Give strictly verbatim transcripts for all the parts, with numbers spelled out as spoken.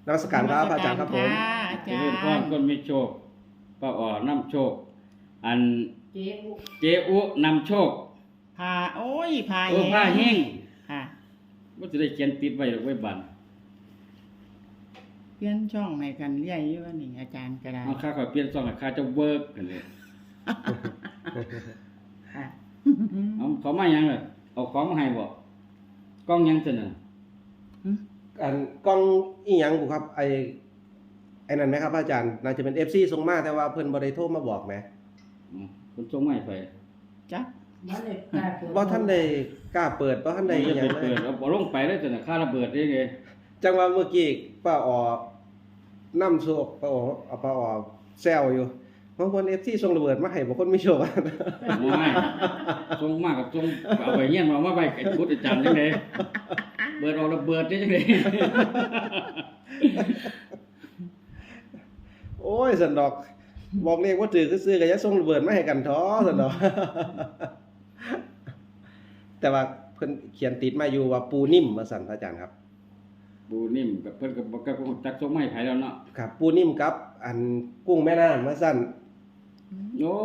นมัสการครับอาจารย์ครับผมอาจาเพื่อนพ่อรย์คนมีโชคป้าอ่อนำโชค อันเจ๊อุเจอุนำโชคพาโอ้ยพาเออผ้าแห้งค่ะว่าจะได้เขียนติดไว้หรือไว้บันเปลี่ยนช่องให้กันเรื่อยอยู่ว่านี่อาจารย์ก็ได้เอาค่าขอยเปลี่ยนซองค่าจะเวิร์กกันเลยค่ะเอาเขามาหยังเลยเอาของมาให้บ่กล้องหยังเสนออันกล้องอีหยังบุครับไอไอ้นั่นไหมครับอาจารย์น่าจะเป็น เอฟ ซี ส่งมาแต่ว่าเพิ่นบ่ได้โทรมาบอกไหมอืมคนส่งมาให้ไปจักมันเลยกล้าเปิดบ่ท่านได้กล้าเปิดบ่ท่านได้อีหจะยังไปเลเปิยดเอาบ่ลงไปเลยเสนอค่าระเบิดได้ไงจังว่าเมื่อกี้ป้าออนํโชคป้าออเอาป้าออแซวอยู่บางคน เอฟ ซี ส่งระเบิดมาให้บางคนไม่โชคบ่ให้ส่งมากกับส่งเอาไปเงี้ยนมามาไว้ไอ้พุทธอาจารย์จังได๋เบิดเอาระเบิดได้จังได๋โอ้ยสันดอกบอกเลขว่าถือคือซื้อก็อย่าส่งระเบิดมาให้กันท้อสันดอก แต่ว่าเพิ่นเขียนติดมาอยู่ว่าปูนิ่มว่าสั่นพระอาจารย์ครับบูนิ่มกับเพิ่นก็บ่ก็คงจักส่งมาให้ไผแล้วเนาะครับปูนิ่มกับอันกุ้งแม่น้ำว่าสั่นโอ้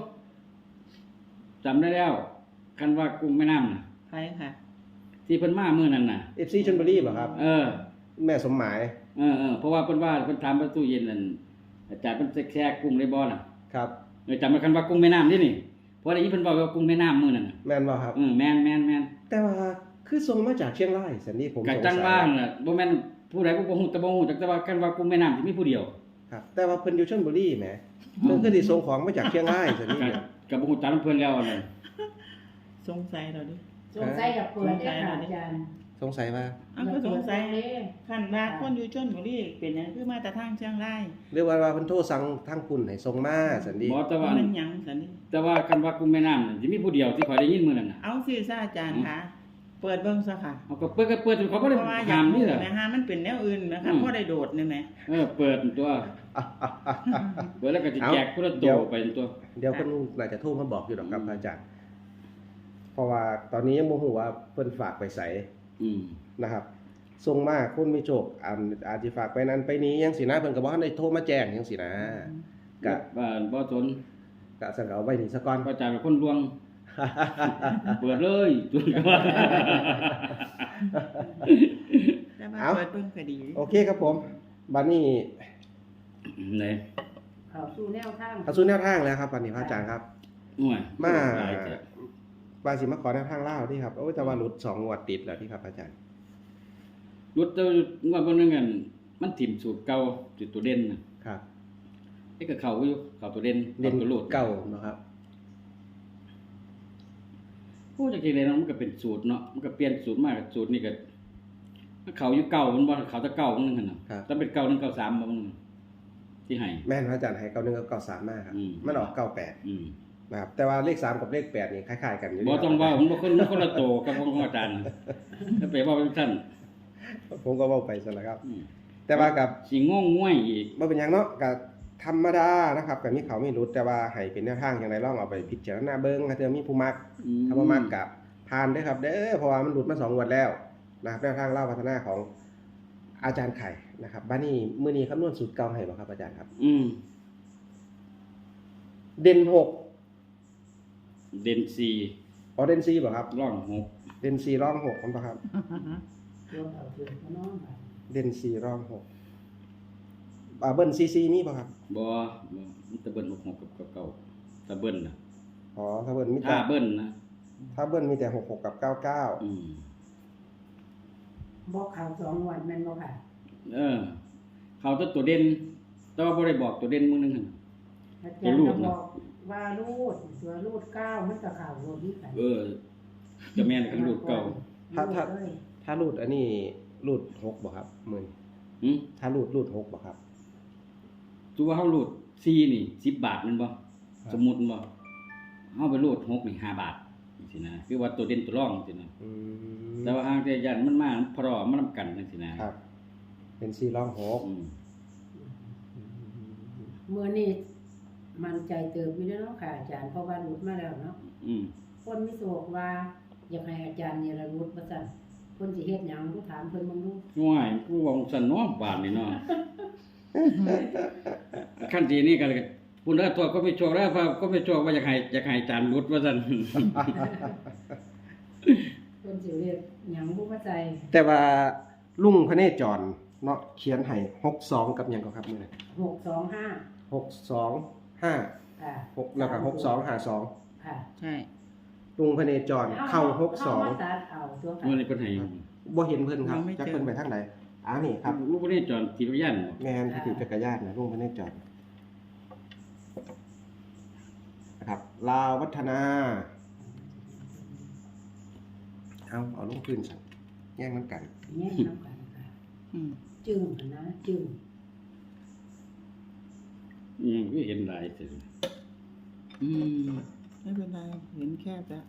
จำได้แล้ว คันว่ากุ้งแม่น้ำน่ะไปค่ะที่เพิ่นมามื้อนั้นน่ะเอฟซีชลบุรีบ่ครับเออแม่สมหมายเออเออเพราะว่าเพิ่นว่าเพิ่นถามประตูเย็นนั่นอาจารย์เพิ่นแซ่กุ้งได้บ่น่ะครับเออจำได้คันว่ากุ้งแม่น้ำนี่นี่เพราะได้ยินเพิ่นบอกว่ากุ้งแม่น้ำมื้อนั้นน่ะแม่นบ่ครับเออแม่นแม่นแม่นแต่ว่าคือส่งมาจากเชียงรายสันนี่ผมก็สงจังสัว่าย น่ะบ่แม่นผู้ใดบ่ฮู้แต่บ่ฮู้จักแต่ว่าคันว่ากุ้งแม่น้ำสิมีผู้เดียวครับ แต่ว่าเพิ่นอยู่ชลบุรีแหมเพิ่นคือสิส่งของมาจากเชียงรายสันนี่ก็เนี่ยก็บ่ฮู้จักเพิ่นแล้วนั่นสงสัยเราดิสงสัยกับเปิดได้ค่ะอาจารย์สงสัยว่าอ้าวก็สงสัยคันว่าคนอยู่ชลบุรีเป็นหยังคือมาแต่ทางเชียงรายหรือว่าว่าเพิ่นโทรสั่งทางคุณให้ส่งมาสันนี่บ่แต่ว่ามันหยังสันนี่แต่ว่าคันว่ากุ้งแม่น้ำน่ะสิมีผู้เดียวที่ข่อยได้ยินมื้อนั้นน่ะเอาสิซะอาจารย์ค่ะ เปิดเบิ่งซะค่ะเอาก็เปิดก็เปิดเขาบ่ได้เพราะว่าอยาห้าก มรู้นี่แหละแม่ฮะมันเป็นแนวอื่นนะอืคะมพอได้โดดนี่แหมเออเปิดตัว เปิดแล้วก็จะแจกคนละตัวไปตัวเดี๋ยวเพิ่นน่าจะโทรมาบอกอยู่ดอกครับพระอาจารย์ เพราะว่าตอนนี้ยังบ่ฮู้ว่าเพิ่นฝากไปไสอืมนะครับส่งมาคนมีโชคอาจอาจสิฝากไปนั้นไปนี้จังซี่นะเพิ่นก็บ่ทันได้โทรมาแจ้งจังซี่นะก็บ้านบ่สนก็สั่นก็เอาไว้นี่ซะก่อนพระอาจารย์เป็นคนลวง เปิดเลยจุดก็ว่าแต่ว่าเอาเปิดเบิ่งก็ดีโอเคครับผมบัดนี้ไหนเข้าสู่แนวทางเข้าสู่แนวทางแล้วครับบัดนี้พระอาจารย์ครับหน่วยมาหลายจ้ะว่าสิมาขอแนวทางลาวที่ครับโอ้ยแต่ว่าหลุดสองงวดติดแล้วที่ครับอาจารย์รถเจ้างวดบ่นึงกันมันถิ่มสูตรเก่าสูตรตัวเด่นน่ะครับไอ้ก็เข้าอยู่เข้าตัวเด่นเล่นข้าตัวโลดเก่าเนาะครับผู้จักทีเลยเนาะมันก็เป็นสูตรเนาะมันก็เปลี่ยนสูตรมาสูตรนี่ก็มันเข้าอยู่เก่ามันบ่เข้าแต่เก่ามันนึงหั่นน่ะถ้าเป็นเก่าหนึ่งเก่าสามบ่มันที่ให้แม่นพระอาจารย์ให้เก้าหนึ่งกับเก้าสามมาครับอืมมันออกเก้าแปดอืมนะครับแต่ว่าเลขสามกับเลขแปดนี่คล้ายๆกันอยู่บ่ต้องเว้ามันบ่คนมันคนละโตกับของอาจารย์ถ้าไปเว้าเป็นซั่นผมก็เว้าไปซะแล้วครับอืมแต่ว่ากับสิงงง่วยอีกบ่เป็นหยังเนาะก็ธรรมดานะครับก็มีเขามีรุดแต่ว่าให้เป็นแนวทางจังไดลองเอาไปพิจารณาเบิ่งถ้าเธอมีผู้มักอืมถ้าบ่มักก็ผ่านเด้อครับ เด้อเพราะว่ามันหลุดมาสองงวดแล้วนะครับแนวทางเล่าพัฒนาของอาจารย์ไข่นะครับบัดนี้มื้อนี้คำนวณสูตรเก่าให้บ่ครับอาจารย์ครับอืมเด่นหกเด่นสี่อ๋อเด่นสี่บ่ครับร่องหกเด่นสี่ร่องหกมันบ่ครับเดี๋ยวเอาเถื่อนก็นอนไปเด่นสี่ร่องหกอ่าเบิ้ลซีซีมีบ่ครับบ่บ่มันตะเบิ้นหกหกกับเก่าตะเบิ้นน่ะอ๋อถ้าเบิ้ลมีแต่ถ้าเบิ้นนะถ้าเบิ้ลมีแต่หกหกกับเก้าเก้าอืมบอกข่าวสองวันแม่นบ่ค่ะเออ เขาจะตัวเด่นแต่ว่าบ่ได้บอกตัวเด่นมื้อนึงหั่นอาจารย์ก็บอกว่ารูดตัวรูดเก้ามันก็ข่าวรูดนี่กันเออจะแม่นกันรูดเก่าถ้าถ้ารูดเลยถ้ารูดอันนี้รูดหกบ่ครับมื้อนี้หึถ้ารูดรูดหกบ่ครับตัวเฮารูดสี่นี่สิบบาทแม่นบ่สมมุติบ่เฮาไปรูดหกนี่ห้าบาทจังซี่นะคือว่าตัวเด่นตัวรองจังซี่นะอืมแต่ว่าหางแต่ยันมันมาพร้อมมันนํกันจังซี่นะครับเป็นสี่ร่องหกอืมมื้อนี้มันใจเติบอยู่แล้วเนาะค่ะอาจารย์เพราะว่ารูดมาแล้วเนาะอืมคนมีโศกว่าอยากให้อาจารย์นี่ละรูดว่าซั่นเพิ่นสิเฮ็ดหยังกูถามเพิ่นมึงดูง่ายกูว่าสั่นเนาะบาดนี่เนาะขั้นทีนี้ก็เลยคุณเด้อตัวก็ไม่โชคแล้วว่าก็ไม่โชคว่าอยากให้อยากให้อาจารย์รุดว่าซั่นเพิ่นสิเรียกหยังบ่เข้าใจแต่ว่าลุงพระเนจรเนาะเขียนให้หกสองกับหยังก็ครับมื้อนี้หกสองห้าหกสองห้าค่ะหกแล้วก็หกสองห้าสองค่ะใช่ลุงพระเนจรเข้าหกสองเามาตัดเอาตัวค่ะมื้อนี้เพิ่นให้บ่เห็นเพิ่นครับจักเพิ่นไปทางไหนอ้านี่ครับลูกบ่ได้จอนขี่รถยันบ่แม่นที่ถือจักรยานนะลุงพระเนจรนะครับลาววัฒนาเอาเอาลงพื้นสั่นแย่งน้ำกันแยกน้ำกันค่ะอืมจึงหั่นนะจึงอืมคือเห็นหลายซื่ออืมไม่เป็นไรเห็นแคบแล้ว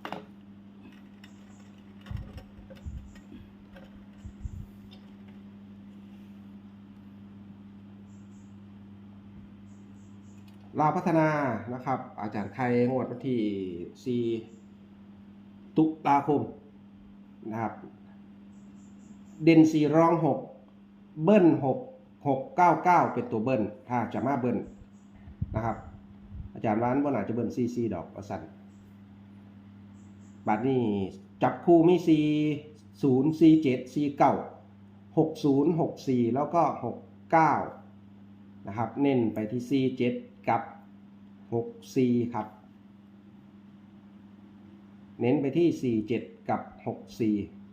ลาวพัฒนานะครับ อาจารย์ไข่งวดวันที่สี่ตุลาคมนะครับ เด่นสี่รองหกเบิ้ลหกหกเก้าเก้าเป็นตัวเบิ้ลถ้าจะมาเบิ้ลนะครับ อาจารย์ว่าบ่น่าจะเบิ้ลซีซีดอกว่าสั่นบัดนี้จับคู่มีสี่ศูนย์สี่เจ็ดสี่เก้าหกศูนย์หกสี่แล้วก็หกเก้านะครับ เน้นไปที่สี่เจ็ดกับหกสี่ครับ เน้นไปที่สี่เจ็ดกับหกสี่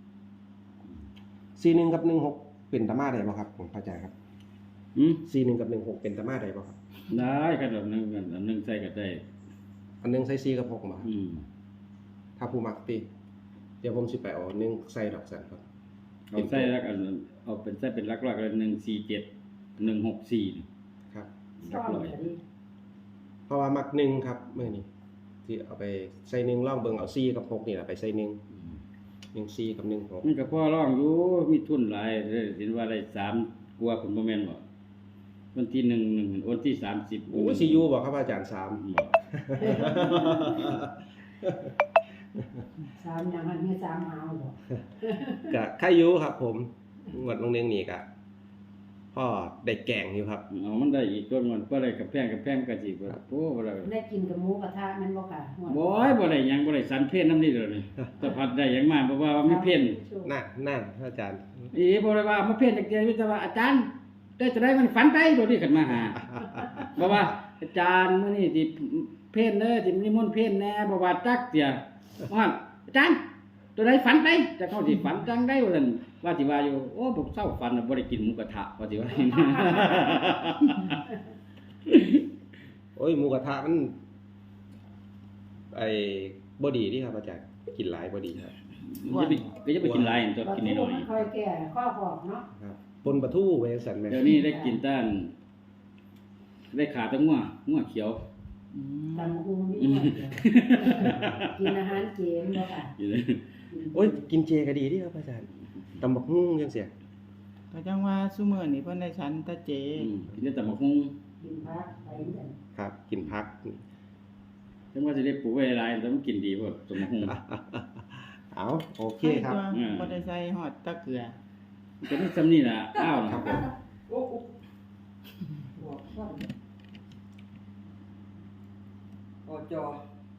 สี่หนึ่งกับหนึ่งหกเป็นตามาได้บ่ครับผมเข้าใจครับอืมสี่หนึ่งกับหนึ่งหกเป็นตามาได้บ่ครับได้ครับอันนึงกันอันนึงใส่ก็ได้อันหนึงใส่สี่กับหกบ่ครับอืมถ้าผู้มักติเดี๋ยวผมสิไปเอาอันหนึงใส่ดอกสันครับเอาใส่แล้วกันเอาเป็นใส่เป็นหลักๆเลยหนึ่งสี่เจ็ด หนึ่งหกสี่ครับหลัซ่กอมร้อยก็ดีเพราะว่ามักหนึ่งครับมื้อนี้ที่เอาไปใส่หนึ่งลองเบิ่งเอาสี่กับหกนี่ล่ะไปใส่หนึ่งอืมหนึ่งสี่กับหนึ่งหกมันก็พอร้องอยู่มีทุนหลายเด้อเห็นว่าได้สามกว่าผมบ่แม่นบ่วันที่หนึ่งหนึ่งวันที่สามสิบโอ้ยสิอยู่บ่ครับอาจารย์สามบ่สามอย่างมันมีสามหาวบ่ก็ใครอยู่ครับ ผมงวดลงเรียงนี่ก็พ่อได้แกงอยู่ครับเอามันได้อีกต้นมันบ่ได้กับแพงกับแพงก็สิบ่โอ้บ่ได้ได้กินกับหมูกระทะแม่นบ่ค่ะหวดบ่ยบ่ได้หยังบ่ได้สันเพศนำนี่เด้อนี่แต่พัดได้หยังมาเพราะว่ามีเพศนั่นนั่นอาจารย์อีบ่ได้ว่ามาเพศจักเดียวมีแต่ว่าอาจารย์ได้จะได้มันฝันไปโดดนี่ขึ้นมาหาบ่ว่าอาจารย์มื้อนี้สิเพศเด้อสินิมนต์เพศแน่บ่ว่าจักเสียว่าอาจารย์ตัวใดฝันไปจะเข้าสิฝันจังได้ว่าซั่นว่าสิว่าอยู่โอ้ผมเศร้าฝันน่ะบ่ได้กินหมูกระทะว่าสิว่าโอ้ยหมูกระทะมันไอ้บ่ดีนี่ครับอาจารย์กินหลายบ่ดีครับอย่าไปก็อย่าไปกินหลายตัวกินน้อยค่อยแก่ข้อหอกเนาะครับปนปลาทูไว้สั่นแม่ๆเดี๋ยวนี้ได้กินต้านได้ขาแตั้งงัวงัวเขียวอืมตำคุงนี่หมดเลยกินอาหารเจนบ่ค่ะอยู่เลยโอ้ยกินเจก็ดีเดิครับอาจารย์ตำบักหุ่งจังซี่ก็จังว่าซุมื้อนี้เพิ่นได้ฉันตะเจอืมกินได้แต่หมกฮุ้งกินพักไปเหมือนกันครับ กินผักจังว่าสิได้ปลูกไว้หลายแต่มันกินดีพวกสมฮุ้งเอาโอเคครับอืมบ่ได้ใส่ฮอดตะเกลือมันก็มีซ้ำนี่ล่ะอ้าวนะครับผมโอ้โอ้บอกว่าโอ้จอ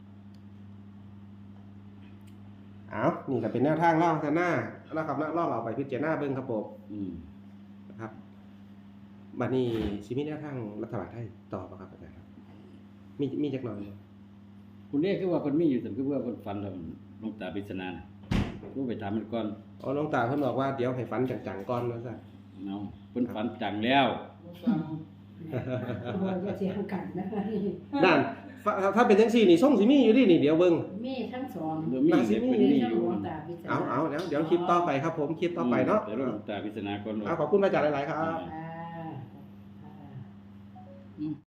เอานี่ก็เป็นแนวทางล่องกันหน้านะครับนะล่องเอาไปพิจารณาเบิ่งครับผมอืมนะครับบัดนี้สิมีแนวทางรัฐบาลไทยต่อบ่ครับอาจารย์ครับมีมีจักหน่อยบ่คุณเรียกคือว่าคนมีอยู่แต่คือว่าคนฝันแล้วลงตาปริศนารู้ไปถามมันก่อนอ๋อน้องตาเพิ่นบอกว่าเดี๋ยวให้ฝันจังๆก่อนว่าซั่นเนาะเพิ่นฝันจังแล้วตัวจะเสียงกันนะนั่นถ้าถ้าเป็นจังซี่นี่ส่งสิมีอยู่ดินี่เดี๋ยวเบิ่งมีทั้งสองเดี๋ยวมีน่าสิเดี๋ยวมีเป็นมีนี่ทั้งอยู่หลวงตาพิจารเอาณาเอาแล้วเดี๋ยวคลิปต่อไปครับผมคลิปต่อไปเนาะเดี๋ยวลงตาปริศนาก่อนเอาขอบคุณพระอาจารย์หลายๆครับอ่า